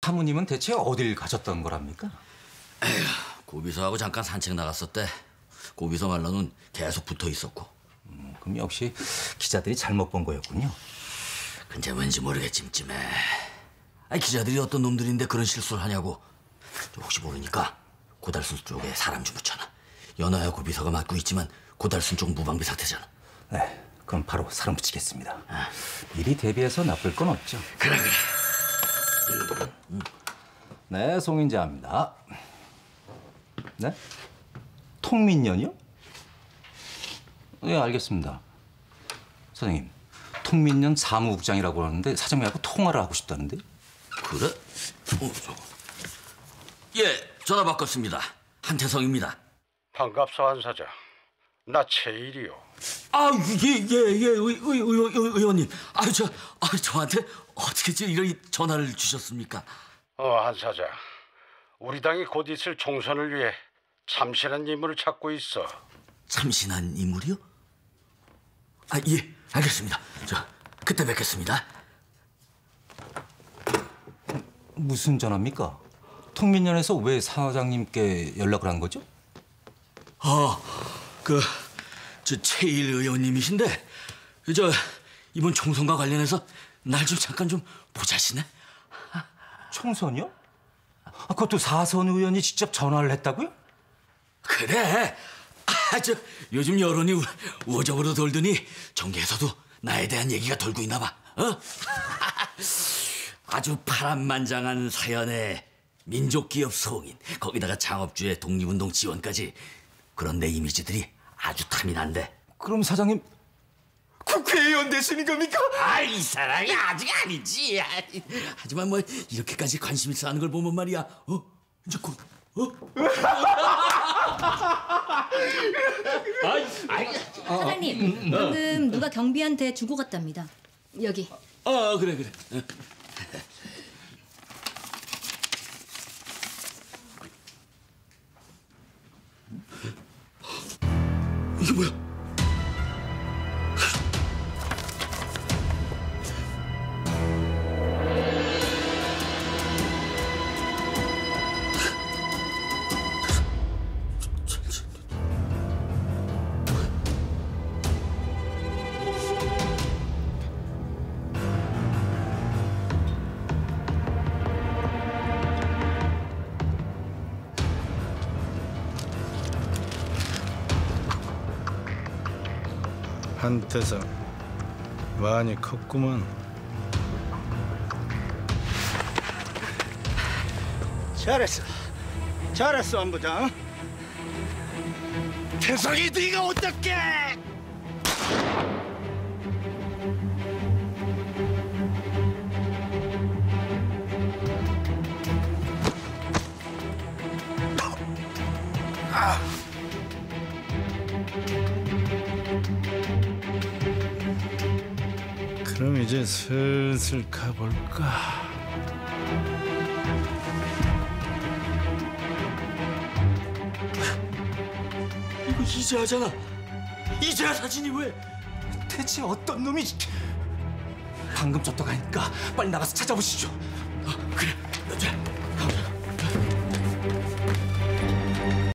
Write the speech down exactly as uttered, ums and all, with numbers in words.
사모님은 대체 어딜 가셨던 거랍니까? 에휴, 고비서하고 잠깐 산책 나갔었대. 고비서 말로는 계속 붙어 있었고. 음, 그럼 역시 기자들이 잘못 본 거였군요. 근데 왠지 모르게 찜찜해. 아니, 기자들이 어떤 놈들인데 그런 실수를 하냐고. 혹시 모르니까 고달순 쪽에 사람 좀 붙여놔. 연하야 고비서가 맡고 있지만 고달순 쪽 무방비 상태잖아. 네, 그럼 바로 사람 붙이겠습니다. 아. 미리 대비해서 나쁠 건 없죠. 그래 그래. 음. 네, 송인자입니다. 네? 통민련이요? 네, 알겠습니다. 사장님, 통민련 사무국장이라고 하는데 사장님하고 통화를 하고 싶다는데? 그래? 어, 저거. 예, 전화 바꿨습니다. 한태성입니다. 반갑소, 한 사장. 나 최일이요. 아, 예, 예, 예, 의, 의, 의, 의원님. 아, 저, 아, 저한테 어떻게 이런 전화를 주셨습니까? 어, 한 사장. 우리 당이 곧 있을 총선을 위해 참신한 인물을 찾고 있어. 참신한 인물이요? 아, 예, 알겠습니다. 저, 그때 뵙겠습니다. 무슨 전화입니까? 통민련에서 왜 사장님께 연락을 한 거죠? 아, 그, 저 최일 의원님이신데, 저 이번 총선과 관련해서 날 좀 잠깐 좀 보자시네. 총선이요? 아, 그것도 사선 의원이 직접 전화를 했다고요? 그래. 아, 저 요즘 여론이 우, 우호적으로 돌더니 정계에서도 나에 대한 얘기가 돌고 있나 봐. 어? 아주 파란만장한 사연에 민족기업 성인, 거기다가 창업주의 독립운동 지원까지. 그런 내 이미지들이 아주 탐이 난대. 그럼 사장님 국회의원 되시는 겁니까? 아, 이 사람이 아직 아니지. 하지만 뭐 이렇게까지 관심 있어 하는 걸 보면 말이야. 어? 이제 곧 어? 사장님, 방금 누가 경비한테 주고 갔답니다. 여기. 아, 그래 그래. 이게 뭐야? 한태성, 많이 컸구만. 잘했어. 잘했어, 한 부장. 태성이 네가 어떡해! 아. 그럼 이제 슬슬 가볼까? 이거 이재하잖아. 이재하 사진이 왜? 대체 어떤 놈이... 방금 쫓아가니까 빨리 나가서 찾아보시죠. 어, 그래. 자.